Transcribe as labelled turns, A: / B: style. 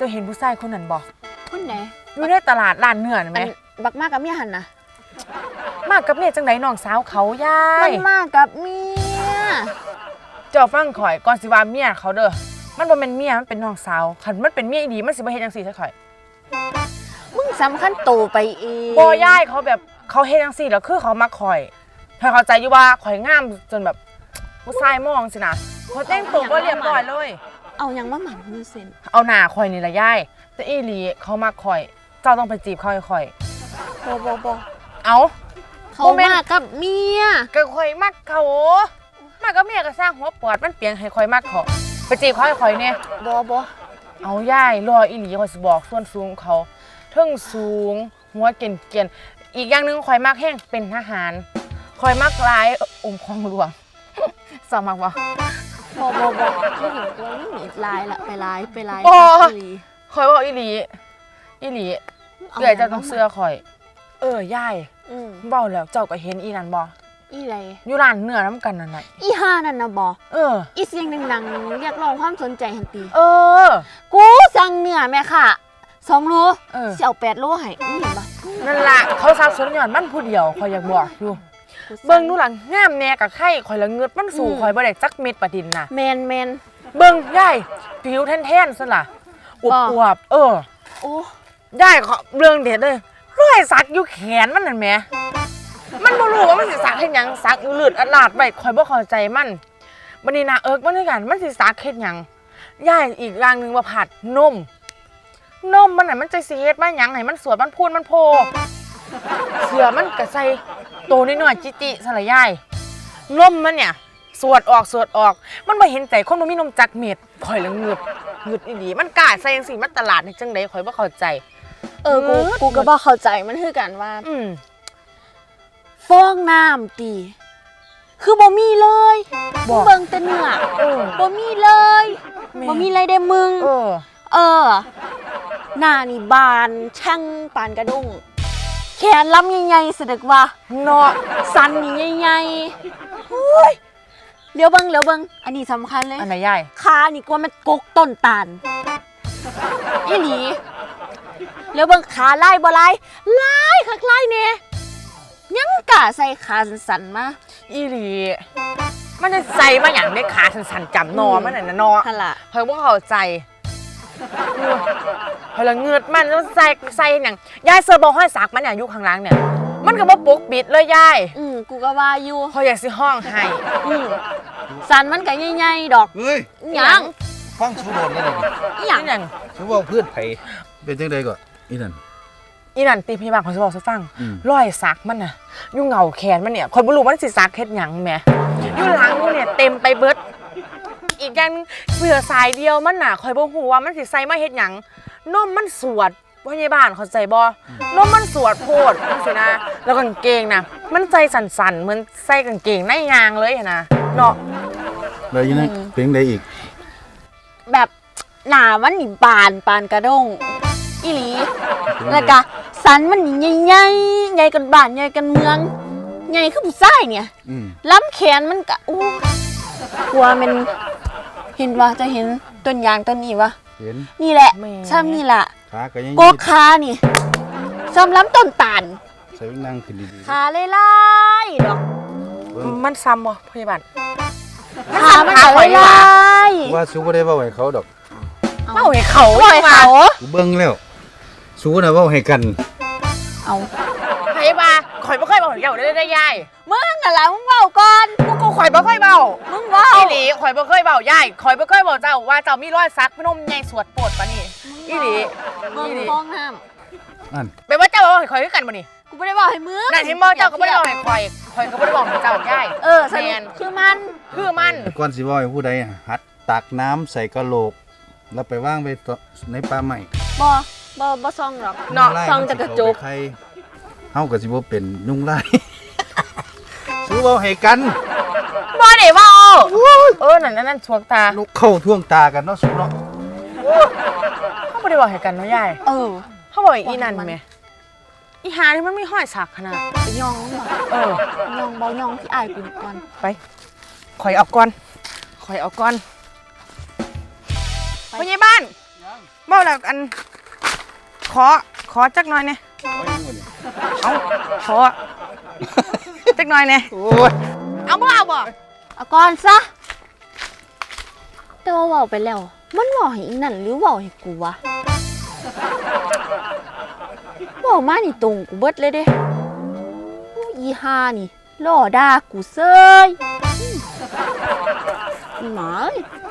A: เห็นผู้ชายคนนั้นบ่
B: คนไหน
A: อยู่ในตลาดร้านเนื้อไหม
B: บักมากกับเมียหันนะ
A: มากกับเมียจังไดน้องสาวเขายาย
B: มันมากกับเมีย
A: เจ้าฟังข่อยก่อนสิว่าเมียเขาเด้อมันบ่เป็นเมียมันเป็นน้องสาวคันมันเป็นเมียอีดีมันสิบ่เฮ็ดจังซี่ซะข่อย
B: มึงสำคัญโตไปเอง
A: บ่ยายเขาแบบเขาเฮ็ดจังซี่แล้วคือเขามักข่อยถ้าเข้าใจอยู่ว่าข่อยงามจนแบบผู้ชายมองสินะเขาแต่งตัวบ่เรียบร้อยเลย
B: เอาหยังมาหมั่นมือเซ็น
A: เอาหน้าข่อยนี่ล่ะยายแต่อีหลีเขามักข่อยเจ้าต้องไปจีบเขาให้ข่อย
B: บ่
A: เอา
B: เขามากกับเมีย
A: ก็ข่อยมักเขามากกับเมียก็สร้างหัวปอดมันเปียงให้ข่อยมักเขาไปจีบเขาให้ข่อยเนี่ย
B: บ่
A: เอาย่ายรออีหลีข่อยสิบอกส่วนสูงเขาเทิงสูงหัวเก่นอีกอย่างนึงข่อยมักแห้งเป็นทหารข่อยมักลายของหลวงสอบมักบ่
B: ไม่เห็นตัวนี่หนีลายละไปลาย
A: ข่อยบอกอีหลีเดี๋ยวจะต้องเสื้อข่อยย่ายเบ้าแล้วเจ้าก็เห็นอีนั่นบ่
B: อีไร
A: อยู่ร้านเนื้อน้ำกันนั่นน่ะ
B: อีห่านั่นนะบ่อีเสียงดังๆเรียกร้องความสนใจหันตีกูสั่งเนื้อแม่ค่ะ2 โลสิเอา8 โลให้มึงเห็นบ่
A: นั่นล่ะเขาซับซ้อนย้อนมันผู้เดียวข่อยอยากบอกอยู่เบิ่งดูหลังงามแน่กับไข่ข่อยละเงือดมันสู่ข่อยบ่ได้จักเม็ดปะดินน่ะ
B: แมน
A: เบิ่งย่ายผิวแท่นๆซั่นล่ะอวบโอ้ย่ายเรื่องเด็ดเลยรอยสักอยู่แขนมันนั่นแหมมันบ่รู้ว่ามันสิสักเฮ็ดหยังสักอยู่เลือดอลาดไว้ข่อยบ่เข้าใจมันบัดนี้น่ะมันคือกันมันสิสักเฮ็ดหยังย่ายอีกอย่างนึงว่าผัดนมมันน่ะมันจะสิเฮ็ดมาหยังให้มันสวยมันพูนมันโพเสื้อมันก็ใส่โตน้อยๆจิๆซั่นล่ะยายนมมันเนี่ยสวดออกมันบ่เห็นใจคนบ่มีนมจักเม็ดข่อยละงึดอีหลีมันกล้าใส่จังซี่มันตลาดนี่จังได๋ข่อยบ่เข้าใจ
B: กูก็บ่เข้าใจมันคือกันว่าฟองน้ำตีคือบ่มีเลยเบิ่งแต่เนื้อบ่มีเลยบ่มีอะไรได้มึงหน้านี่บานช่างปานกระด้งแขนล้ำใหญ่ๆสะดึกว่า
A: เนาะ
B: สันนี่ใหญ่ๆเลี้ยวเบิ่งอันนี้สำคัญเลย
A: อันไหนใหญ่
B: ขานี่กว่ามันกกต้นตาลอีหลีเลี้ยวเบิ่งขาไล่บ่ไล่คักไล่เนี่ยยังกะใส่ขาสันๆมา
A: อีหลีมันจะใส่มาอย่างได้ขาสันๆจำนอมันน่ะนะนอเฮ้ยว่าเข้าใจเฮ้ยละเงือดมันแล้วใส่อย่างยายเซอร์บอลห้อยสักมันอย่างยุคข้างล่างเนี่ยมันก็บ่ปกปิดเลยยาย
B: กูก็ว่าอยู่
A: เขาอยากสิห้องให้
B: สันมันก็ใหญ่ๆดอก
C: เฮ้ย
B: ยัง
C: ฟังชูบอลได้เลย
A: อย่าง
C: ชูบอลเพื่อนไผเป็นจังได๋ก็อีนั่น
A: ตีพี่บางเขาจะบอกให้ฟังรอยสักมันน่ะยุ่งเหงาแขนมันเนี่ยคนบ่รู้ว่ามันสิสักเฮ็ดหยังแหมอยู่หลังมันเนี่ยเต็มไปเบิดอีกอย่างนึงเสื้อสายเดียวมันน่ะคอยบ่ฮู้ว่ามันสิใส่มาเฮ็ดหยังนมมันสวดพยาบาลเข้าใจบ่นมมันสวดโพดจังซี่นะแล้วกางเกงน่ะมันใส่สั่นๆเหมือนใส่กางเกงในยางเลยนะเนาะ
C: แล้วยังไงเป็นจังได๋อีก
B: แบบหน้ามันนี่บานกระด้งอีหลีแล้วก็สันมันนี่ใหญ่กันบ้านใหญ่กันเมืองใหญ่คือผู้ชายเนี่ยล้ำแขนมันก็กลัวมันเห็นว่าจะเห็นต้นยางต้นนี้วะ
C: เห็น
B: นี่แหละซ้ำนี่แหละ
C: ขาก็ยัง
B: โกขานี่ซ้ำล้ำต้นตาล
C: ใส่นั่งขึ้นดี
B: ๆขาไล่ดอก
A: มันซ้ำบ่พยาบาล
B: ขามันไล่
C: ว่าสู้บ่ได้เว้าให้เขาดอก
A: เว้าให้เขา
C: กูเบิ่งแล้วสู้น่ะเว้าให้กัน
B: เอา
A: พยาบาลข่อยบ่เคยเว้าให้เจ้าได้ยาย
B: มึงน่ะล่ะมึงเว้าก่อน
A: กูข่อยบ่เคยเว้า
B: มึงเว้า
A: อีหลีข่อยบ่เคยเว้ายายข่อยบ่เคยเว้าเจ้าว่าเจ้ามีรอยสักพนมใหญ่สวดโปรดปะนี่อีหลี
B: ฟองน้
C: ำนั่น
A: แปลว่าเจ้าเว้าให้ข่อยคือกันบ่นี่
B: กูบ่ได้เว้าให้มึง
A: นั่นเห็นบ่เจ้าก็บ่ได้เว้าให้ข่อยก็บ่ได้เว้าให้เจ้ายาย
B: แม่นคือมัน
C: ก่อนสิเว้าให้ผู้ใดหัดตักน้ำใส่กะโหลกแล้วไปวางไว้ในป่าไม้
B: บ่ซ่องหรอก
C: ซ่องแต่กระจกเฮาก็สิบ่เป็นยุงลายสู้เว้าให้กัน
A: บ่ได้เว้านั่นช่วงตา
C: ลูกเข้าท่วงตากันเนาะสู้เนาะ
A: เฮาบ่ได้เว้าให้กันเนาะยายเฮาบอกอีนั่นแม่อีหานี่มันมีห้อยสักขนาด
B: ยองยองบ่ยองที่อายกูก่อน
A: ไปข่อยเอาก่อนพยาบาลเมาแล้วอันขอจักหน่อยเนี่ยเอาขอจักหน่อยเนี่ย
C: โอ้ย
A: เอาบ่เอาบ่
B: เอาก่อนซะแต่ว่าเว้าไปแล้ว มันเว้าให้อีนั่นหรือเว้าให้กูวะเว้ามานี่ตรงกูเบิดเลยเด้โอ้อีห่านี่ล่อด่ากูเซยหมาเอ้ย